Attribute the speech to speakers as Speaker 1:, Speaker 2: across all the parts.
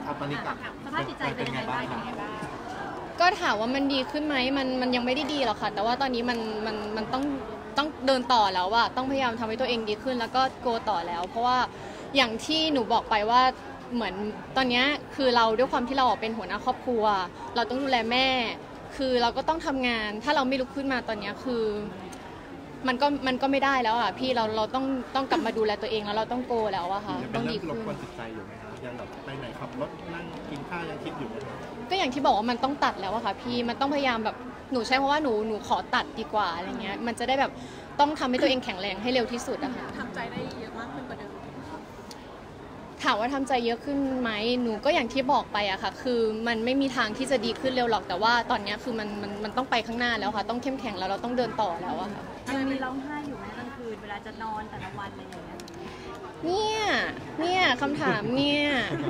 Speaker 1: ตอนนี้
Speaker 2: สภาพจิตใจเป็นยังไงบ้าง
Speaker 3: ก็ถามว่ามันดีขึ้นไหมมันยังไม่ได้ดีหรอกค่ะแต่ว่าตอนนี้มันต้องเดินต่อแล้วอะต้องพยายามทำให้ตัวเองดีขึ้นแล้วก็โกต่อแล้วเพราะว่าอย่างที่หนูบอกไปว่าเหมือนตอนนี้คือเราด้วยความที่เราเป็นหัวหน้าครอบครัวเราต้องดูแลแม่คือเราก็ต้องทำงานถ้าเราไม่ลุกขึ้นมาตอนนี้คือมันก็ไม่ได้แล้วอ่ะพี่เราต้องกลับมาดูแลตัวเองแล้วเราต้องโกแล้วอะค่ะต้องดีขึ้น
Speaker 1: รบกวนจิตใจอยู่ไหมคะยังแบบไปไหนขับรถนั่งกินข้าวยังคิดอยู่ไหม
Speaker 3: ก็อย่างที่บอกว่ามันต้องตัดแล้วอะค่ะพี่มันต้องพยายามแบบหนูใช้เพราะว่าหนูขอตัดดีกว่าอะไรเงี้ยมันจะได้แบบต้องทำให้ตัวเองแข็งแรงให้เร็วที่สุดอะค่ะ
Speaker 2: ทำใจได้เยอะมากขึ้นกว่าเดิม
Speaker 3: ถามว่าทำใจเยอะขึ้นไหมหนูก็อย่างที่บอกไปอะค่ะคือมันไม่มีทางที่จะดีขึ้นเร็วหรอกแต่ว่าตอนนี้คือมันต้องไปข้างหน้าแล้วค่ะต้องเข้มแข็งแล้วเราต้องเดินต่อแล้วอะค่ะ
Speaker 2: ยังมีร้องไห้อยู่ไหมกลางคืนเวลาจะนอนแต่ละวันอะไรอย่างเงี้ย
Speaker 3: เนี่ยคำถามเนี่ย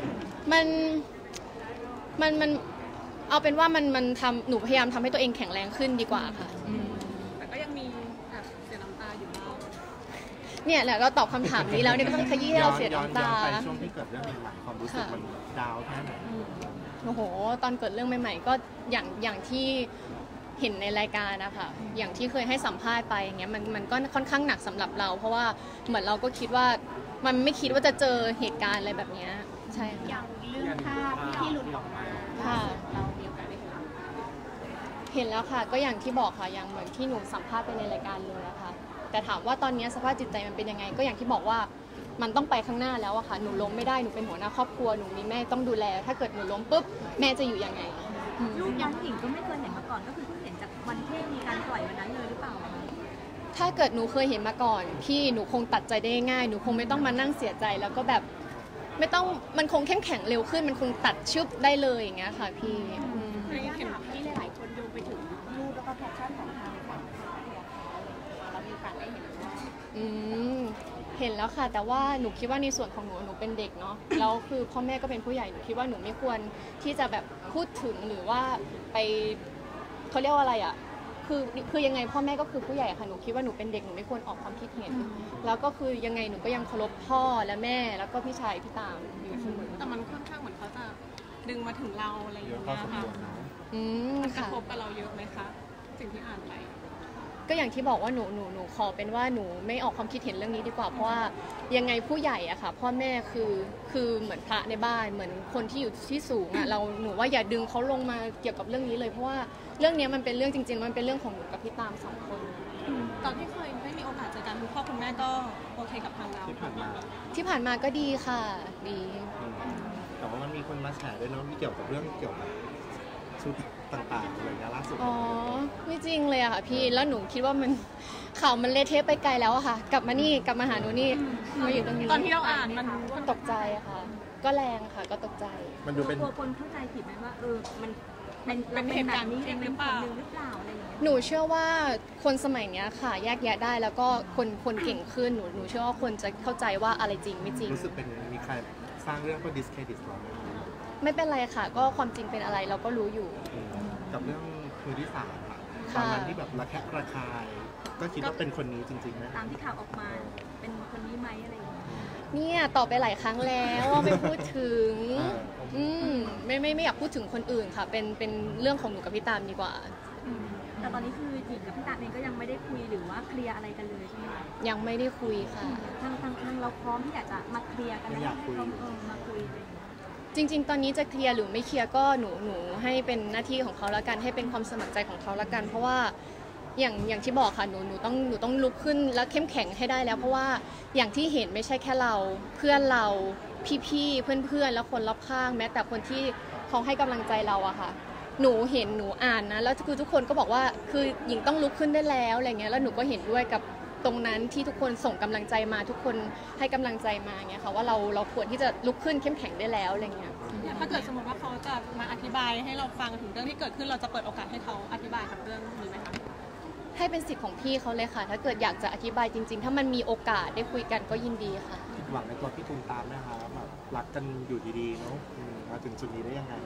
Speaker 3: มันเอาเป็นว่ามันทำหนูพยายามทำให้ตัวเองแข็งแรงขึ้นดีกว่าค่ะ
Speaker 2: แต่ก็ยังมีเสียน้ำตาอยู่บ้าง
Speaker 3: เนี่ยแหละเราตอบคำถามนี้แล้วเนี่ยก็ต้องขยี้ให้เราเสียน้ำตา
Speaker 1: ไปช่วงที่เกิดเรื่องใหม่ๆความรู้สึกมันดาวแค่ไหน
Speaker 3: โอ้โหตอนเกิดเรื่องใหม่ๆก็อย่างที่เห็นในรายการนะคะอย่างที่เคยให้สัมภาษณ์ไปอย่างเงี้ยมันก็ค่อนข้างหนักสำหรับเราเพราะว่าเหมือนเราก็คิดว่ามันไม่คิดว่าจะเจอเหตุการณ์อะไรแบบนี้ใช่ค่ะ
Speaker 2: อย่างเรื่องภาพที่หลุดออกมา
Speaker 3: ค่ะ
Speaker 2: เรามีโอกาสได้
Speaker 3: เห็นแล้วค่ะก็อย่างที่บอกค่ะอย่างเหมือนที่หนูสัมภาษณ์ไปในรายการเลยนะคะแต่ถามว่าตอนนี้สภาพจิตใจมันเป็นยังไงก็อย่างที่บอกว่ามันต้องไปข้างหน้าแล้วอะค่ะหนูล้มไม่ได้หนูเป็นหัวหน้าครอบครัวหนูมีแม่ต้องดูแลถ้าเกิดหนูล้มปุ๊บแม่จะอยู่ยังไง
Speaker 2: ลูกยังหญิงก็ไม่เคยเห็นมาก่อนก็คือเพิ่งเห็นจากวันที่มีการปล่อยวันนั้นเลยหรือเปล่า
Speaker 3: ถ้าเกิดหนูเคยเห็นมาก่อนพี่หนูคงตัดใจได้ง่ายหนูคงไม่ต้องมานั่งเสียใจแล้วก็แบบไม่ต้องมันคงเข้มแข็งเร็วขึ้นมันคงตัดชึบได้เลยอย่างเงี้ยค่ะพี่
Speaker 2: เห็นที่หลายๆคนโยงไปถึงรูปแล้วก็แพชชั่นของทางฝั่งเรามีโอกาสได้เห็น
Speaker 3: เห็นแล้วค่ะแต่ว่าหนูคิดว่าในส่วนของหนูเป็นเด็กเนาะแล้วคือพ่อแม่ก็เป็นผู้ใหญ่หนูคิดว่าหนูไม่ควรที่จะแบบพูดถึงหรือว่าไปเขาเรียกว่าอะไรอ่ะคือยังไงพ่อแม่ก็คือผู้ใหญ่ค่ะหนูคิดว่าหนูเป็นเด็กหนูไม่ควรออกความคิดเห็นแล้วก็คือยังไงหนูก็ยังเคารพพ่อและแม่แล้วก็พี่ชายพี่ตามอยู่เสมอ
Speaker 2: แต่มันค่อนข้างเหมือนเขาจะดึงมาถึงเราอะไรอย่างเงี้ยค่ะกระทบกับเราเยอะไหมคะสิ่งที่อ่านไป
Speaker 3: ก็อย่างที่บอกว่าหนูขอเป็นว่าหนูไม่ออกความคิดเห็นเรื่องนี้ดีกว่าเพราะว่ายังไงผู้ใหญ่อะค่ะพ่อแม่คือเหมือนพระในบ้านเหมือนคนที่อยู่ที่สูงอะหนูว่าอย่าดึงเขาลงมาเกี่ยวกับเรื่องนี้เลยเพราะว่าเรื่องนี้มันเป็นเรื่องจริงๆมันเป็นเรื่องของหนูกับพี่ตาม2 คน
Speaker 2: ตอนที่เคยไม่มีโอกาสเจอกันคุณพ่อคุณแม่ก็โอเคกับทางเรา
Speaker 1: ที่ผ่
Speaker 3: านมาก็ดีค่ะดี
Speaker 1: แต่ว่ามันมีคนมาแฉด้วยเนาะที่เกี่ยวกับเรื่องเกี่ยวกับชุดต่างๆอะไรล่าสุด
Speaker 3: อ๋อไม่จริงเลยอะค่ะพี่แล้วหนูคิดว่ามันข่าวมันเละเทะไปไกลแล้วอะค่ะกลับมาหาหนูนี่มาอยู่ตรงนี้
Speaker 2: ตอนที่เราอ่าน
Speaker 3: มันตกใจอะค่ะก็แรงค่ะก็ตกใจ
Speaker 2: มันดูเป็นคนเข้าใจผิดไหมว่ามันเป็นเหตุการณ์นี้หรือเปล่าอะไรอย่างเงี้ย
Speaker 3: หนูเชื่อว่าคนสมัยนี้ค่ะแยกแยะได้แล้วก็คนเก่งขึ้นหนูเชื่อว่าคนจะเข้าใจว่าอะไรจริงไม่จริง
Speaker 1: รู้สึกเป็นมีใครสร้างเรื่องเพื่อดิสเครดิตเรา
Speaker 3: ไม่เป็นไรค่ะก็ความจริงเป็นอะไรเราก็รู้อยู่
Speaker 1: กับเรื่องมือที่3ค่ะตอนนั้นที่แบบระแคะระคายก็คิดว่าเป็นคนนี้จริงๆไหม
Speaker 2: ตามที่ข่าวออกมาเป็นคนนี้ไหมอะไรอย่างเงี้ย
Speaker 3: เนี่ยตอบไปหลายครั้งแล้วว่าไม่พูดถึงไม่อยากพูดถึงคนอื่นค่ะเป็นเรื่องของหนูกับพี่ตามดีกว่า
Speaker 2: แต่ตอนนี้คือหญิงกับพี่ตามเองก็ยังไม่ได้คุยหรือว่าเคลียร์อะไรกันเลยใช่ไหมคะ
Speaker 3: ยังไม่ได้คุยค่ะ
Speaker 2: ทางเราพร้อมที่อยากจะมาเคลียร์กันแล้วมาคุย
Speaker 3: จริงๆตอนนี้จะเคลียร์หรือไม่เคลียร์ก็หนูให้เป็นหน้าที่ของเขาแล้วกันให้เป็นความสมัครใจของเขาแล้วกันเพราะว่าอย่างที่บอกค่ะหนูต้องลุกขึ้นแล้วเข้มแข็งให้ได้แล้วเพราะว่าอย่างที่เห็นไม่ใช่แค่เราเพื่อนเราพี่ๆเพื่อนแล้วคนรอบข้างแม้แต่คนที่เขาให้กำลังใจเราอะค่ะหนูเห็นหนูอ่านนะแล้วคือทุกคนก็บอกว่าคือหญิงต้องลุกขึ้นได้แล้วอะไรเงี้ยแล้วหนูก็เห็นด้วยกับตรงนั้นที่ทุกคนส่งกำลังใจมาทุกคนให้กำลังใจมาเงี้ยค่ะว่าเราควรที่จะลุกขึ้นเข้มแข็งได้แล้วอะไรเงี้ย
Speaker 2: ถ้าเกิดสมมติว่าเขาจะมาอธิบายให้เราฟังถึงเรื่องที่เกิดขึ้นเราจะเปิดโอกาสให้เขาอธิบายกับเรื่องนี้ไหมคะ
Speaker 3: ให้เป็นสิทธิ์ของพี่เขาเลยค่ะถ้าเกิดอยากจะอธิบายจริงๆถ้ามันมีโอกาสได้คุยกันก็ยินดีค่ะ
Speaker 1: หวังในตัวพี่ตูมตามนะคะแบบรักกันอยู่ดีๆเนาะมาถึงจุดนี้ได้ยังไง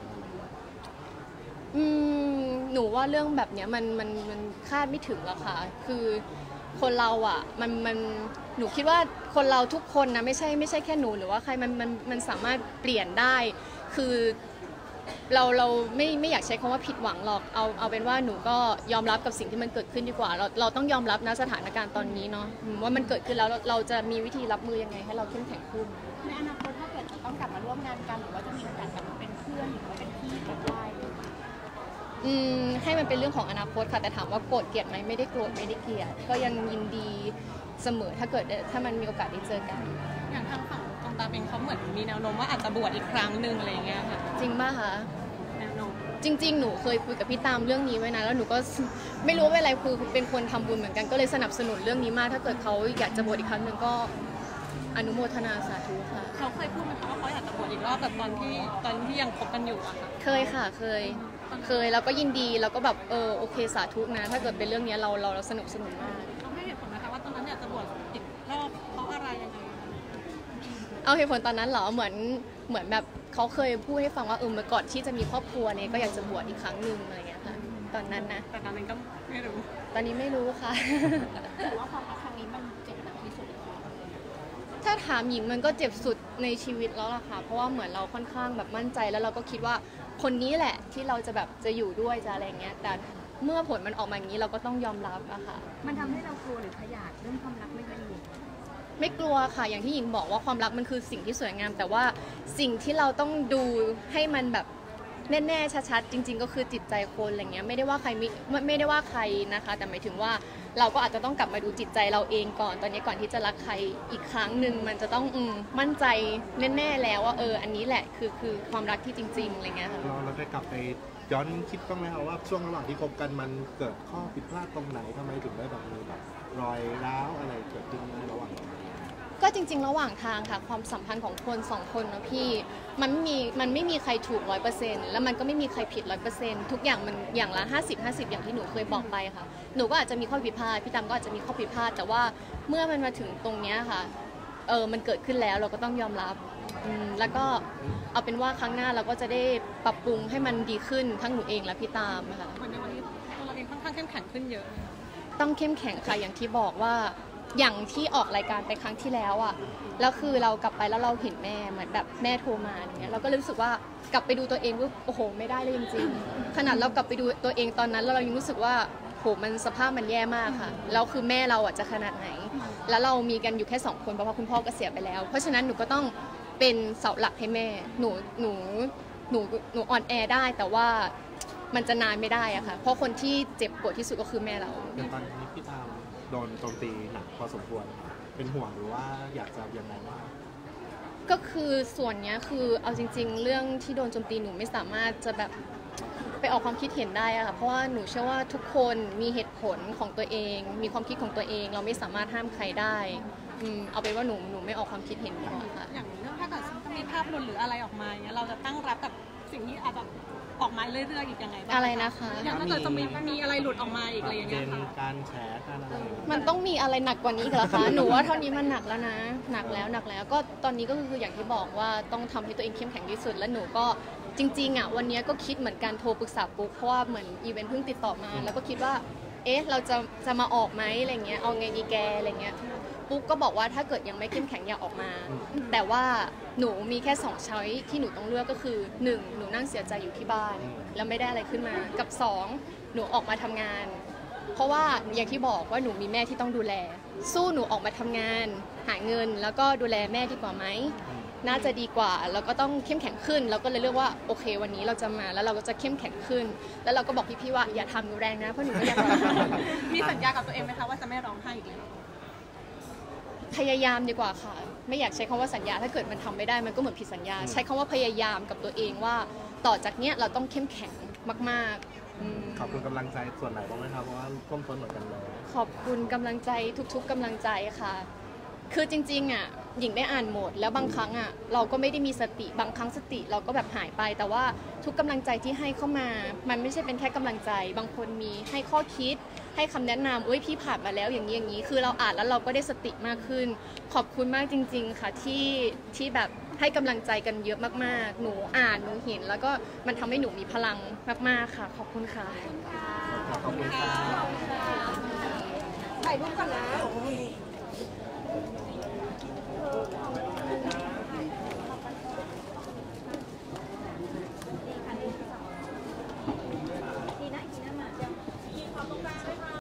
Speaker 3: หนูว่าเรื่องแบบนี้มันคาดไม่ถึงหรอกค่ะคือคนเราอ่ะหนูคิดว่าคนเราทุกคนนะไม่ใช่แค่หนูหรือว่าใครมันสามารถเปลี่ยนได้คือเราไม่อยากใช้คำว่าผิดหวังหรอกเอาเป็นว่าหนูก็ยอมรับกับสิ่งที่มันเกิดขึ้นดีกว่าเราต้องยอมรับนะสถานการณ์ตอนนี้เนาะว่ามันเกิดขึ้นแล้วเราจะมีวิธีรับมือยังไงให้เราเข้มแข็งขึ้น
Speaker 4: ในอนาคตถ้าเกิดจะต้องกลับมาร่วมงานกันหรือว่าจะมีโอกาสกลับมาเป็นเพื่อนหรือว่าเป็นพี่กันได้
Speaker 3: ให้มันเป็นเรื่องของอนาคตค่ะแต่ถามว่าโกรธเกลียดไหมไม่ได้โกรธไม่ได้เกลียดก็ยังยินดีเสมอถ้ามันมีโอกาสได้เจอกัน
Speaker 2: อย่างทางฝั่งตรงตาเป็นเขาเหมือนมีแนวโน้มว่าอาจจะบวชอีกครั้งหนึ่งอะไรอย่างเงี้ยค่ะ
Speaker 3: จริงป่ะคะ
Speaker 2: แนวโน้ม
Speaker 3: จริงๆหนูเคยคุยกับพี่ตามเรื่องนี้ไว้นะแล้วหนูก็ไม่รู้ว่าอะไรคือเป็นคนทำบุญเหมือนกันก็เลยสนับสนุนเรื่องนี้มากถ้าเกิดเขาอยากจะบวชอีกครั้งหนึ่งก็อนุโมทนาสาธุค่ะ
Speaker 2: เขาเคยพูดไหมคะว่าเขาอยากจะบวชอีกรอบแบบตอนที่ยังคบกันอยู่อะค่ะ
Speaker 3: เคยค่ะเคยแล้วก็ยินดีแล้วก็แบบโอเคสาธุนะถ้าเกิดเป็นเรื่องนี้เราสนุกสนุนมาก
Speaker 2: เขาให้เหตุผลนะคะว่าตอนนั้นอยากจะบวชอีกรอบเพราะอะไรยังไง
Speaker 3: เอาเหตุผลตอนนั้นเหรอเหมือนแบบเขาเคยพูดให้ฟังว่าเมื่อก่อนที่จะมีครอบครัวเนี่ยก็อยากจะบวชอีกครั้งหนึ่งอะไรเงี้ยค่ะตอนนั้นนะ
Speaker 2: แต่ตอนนั้นก็ไม่รู้
Speaker 3: ตอนนี้ไม่รู้ค่ะ
Speaker 4: แต่ว่าความรักครั้งนี้มันเจ็บหนักที่สุด
Speaker 3: ถ้าถามหญิงมันก็เจ็บสุดในชีวิตแล้วล่ะค่ะเพราะว่าเหมือนเราค่อนข้างแบบมั่นใจแล้วเราก็คิดว่าคนนี้แหละที่เราจะแบบจะอยู่ด้วยจะอะไรเงี้ยแต่เมื่อผลมันออกมาอย่างนี้เราก็ต้องยอมรับอะค่ะ
Speaker 4: มันทำให้เรากลัวหรือขยาดเรื่องความรักไม่ค่อยดี
Speaker 3: ไม่กลัวค่ะอย่างที่หญิงบอกว่าความรักมันคือสิ่งที่สวยงามแต่ว่าสิ่งที่เราต้องดูให้มันแบบแน่ๆชัดๆจริงๆก็คือจิตใจคนอะไรเงี้ยไม่ได้ว่าใครนะคะแต่หมายถึงว่าเราก็อาจจะต้องกลับมาดูจิตใจเราเองก่อนตอนนี้ก่อนที่จะรักใครอีกครั้งหนึ่งมันจะต้องมั่นใจแน่ๆแล้วว่าอันนี้แหละคือความรักที่จริงๆอะไรเงี้ยค่ะ
Speaker 1: เราได้กลับไปย้อนคิดบ้างไหมคะว่าช่วงระหว่างที่คบกันมันเกิดข้อผิดพลาดตรงไหนทำไมถึงได้แบบมีแบบรอยร้าวอะไรเกิดขึ้นระหว่าง
Speaker 3: ก็จริงๆระหว่างทางค่ะความสัมพันธ์ของคนสองคนนะพี่มันไม่มีใครถูก 100% แล้วมันก็ไม่มีใครผิด 100% ทุกอย่างมันอย่างละ50-50อย่างที่หนูเคยบอกไปค่ะหนูก็อาจจะมีข้อผิดพลาดพี่ตามก็อาจจะมีข้อผิดพลาดแต่ว่าเมื่อมันมาถึงตรงนี้ค่ะมันเกิดขึ้นแล้วเราก็ต้องยอมรับแล้วก็เอาเป็นว่าครั้งหน้าเราก็จะได้ปรับปรุงให้มันดีขึ้นทั้งหนูเองและพี่ตามค่ะ
Speaker 2: เหมือนในวันนี้ตัวเราเองค่อนข้างเข้มแข็งขึ้นเยอะ
Speaker 3: ต้องเข้มแข็งค่ะอย่างที่บอกว่าอย่างที่ออกรายการไปครั้งที่แล้วอ่ะแล้วคือเรากลับไปแล้วเราเห็นแม่เหมือนแบบแม่โทรมาอย่างเงี้ยเราก็รู้สึกว่ากลับไปดูตัวเองว่าโอ้โหไม่ได้เลยจริงๆขนาดเรากลับไปดูตัวเองตอนนั้นแล้วเรายังรู้สึกว่าโหมันสภาพมันแย่มากค่ะแล้วคือแม่เราอ่ะจะขนาดไหนแล้วเรามีกันอยู่แค่2คนเพราะว่าคุณพ่อก็เสียไปแล้วเพราะฉะนั้นหนูก็ต้องเป็นเสาหลักให้แม่หนูอ่อนแอได้แต่ว่ามันจะนานไม่ได้อะค่ะเพราะคนที่เจ็บปวดที่สุดก็คือแม่เรา
Speaker 1: อย่างตอนนี้พี่ตามโดนโจมตีหนักพอสมควรเป็นห่วงหรือว่าอยากจะยังไงว่า
Speaker 3: ก็คือส่วนนี้คือเอาจริงๆเรื่องที่โดนโจมตีหนูไม่สามารถจะแบบไปออกความคิดเห็นได้อะค่ะเพราะว่าหนูเชื่อว่าทุกคนมีเหตุผลของตัวเองมีความคิดของตัวเองเราไม่สามารถห้ามใครได้เอาเป็นว่าหนูไม่ออกความคิดเห็นดีกว่าค่ะ
Speaker 2: อย่างเรื่องถ้าเกิดจะมีภาพหลุดหรืออะไรออกมาเนี่ยเราจะตั้งรับกับสิ่งที่อาจจะออกมาเรื่อยๆอีกยังไงบ้าง
Speaker 3: อะไรนะคะ
Speaker 2: อย่างถ้าเกิดจะมีอะไรหลุดออกมาอีกอะไรอย่างเงี้ยค่ะ
Speaker 1: การแฉการอะไร
Speaker 3: มันต้องมีอะไรหนักกว่านี้เหรอคะหนูว่าเท่านี้มันหนักแล้วนะหนักแล้วก็ตอนนี้ก็คืออย่างที่บอกว่าต้องทำให้ตัวเองเข้มแข็งที่สุดและหนูก็จริงๆอ่ะวันนี้ก็คิดเหมือนกันโทรปรึกษาปุ๊กเพราะว่าเหมือนอีเวนต์เพิ่งติดต่อมาแล้วก็คิดว่าเราจะมาออกไหมอะไรเงี้ยเอาไงดีแกอะไรเงี้ยปุ๊กก็บอกว่าถ้าเกิดยังไม่เข้มแข็งอย่าออกมาแต่ว่าหนูมีแค่2ช้อยที่หนูต้องเลือกก็คือ1หนูนั่งเสียใจอยู่ที่บ้านแล้วไม่ได้อะไรขึ้นมากับ2หนูออกมาทำงานเพราะว่าอย่างที่บอกว่าหนูมีแม่ที่ต้องดูแลสู้หนูออกมาทำงานหาเงินแล้วก็ดูแลแม่ดีกว่าไหมน่าจะดีกว่าแล้วก็ต้องเข้มแข็งขึ้นแล้วก็เลยเลือกว่าโอเควันนี้เราจะมาแล้วเราก็จะเข้มแข็งขึ้นแล้วเราก็บอกพี่ๆว่าอย่าทำหนูแรงนะเพราะหนูไม่อยากร้อง
Speaker 2: มีสัญญากับตัวเองไหมคะว่าจะไม่ร้องไห้อีกแล้ว
Speaker 3: พยายามดีกว่าค่ะไม่อยากใช้คำว่าสัญญาถ้าเกิดมันทำไม่ได้มันก็เหมือนผิดสัญญาใช้คำว่าพยายามกับตัวเองว่าต่อจากเนี้ยเราต้องเข้มแข็งมาก
Speaker 1: ๆขอบคุณกำลังใจส่วนไหนบ้างไหมครับเพราะว่าท่วมท้นเหมือนกันเลย
Speaker 3: ขอบคุณกำลังใจทุกๆกำลังใจค่ะคือจริงๆอ่ะหญิงได้อ่านหมดแล้วบางครั้งอ่ะเราก็ไม่ได้มีสติบางครั้งสติเราก็แบบหายไปแต่ว่าทุกกำลังใจที่ให้เข้ามามันไม่ใช่เป็นแค่กำลังใจบางคนมีให้ข้อคิดให้คำแนะนำพี่ผ่านมาแล้วอย่างนี้คือเราอ่านแล้วเราก็ได้สติมากขึ้นขอบคุณมากจริงๆค่ะที่แบบให้กำลังใจกันเยอะมากๆหนูอ่านหนูเห็นแล้วก็มันทำให้หนูมีพลังมากๆค่ะขอบคุณค่ะ
Speaker 1: ขอบคุณค่ะ
Speaker 4: ถ่ายรูปก่อนนะ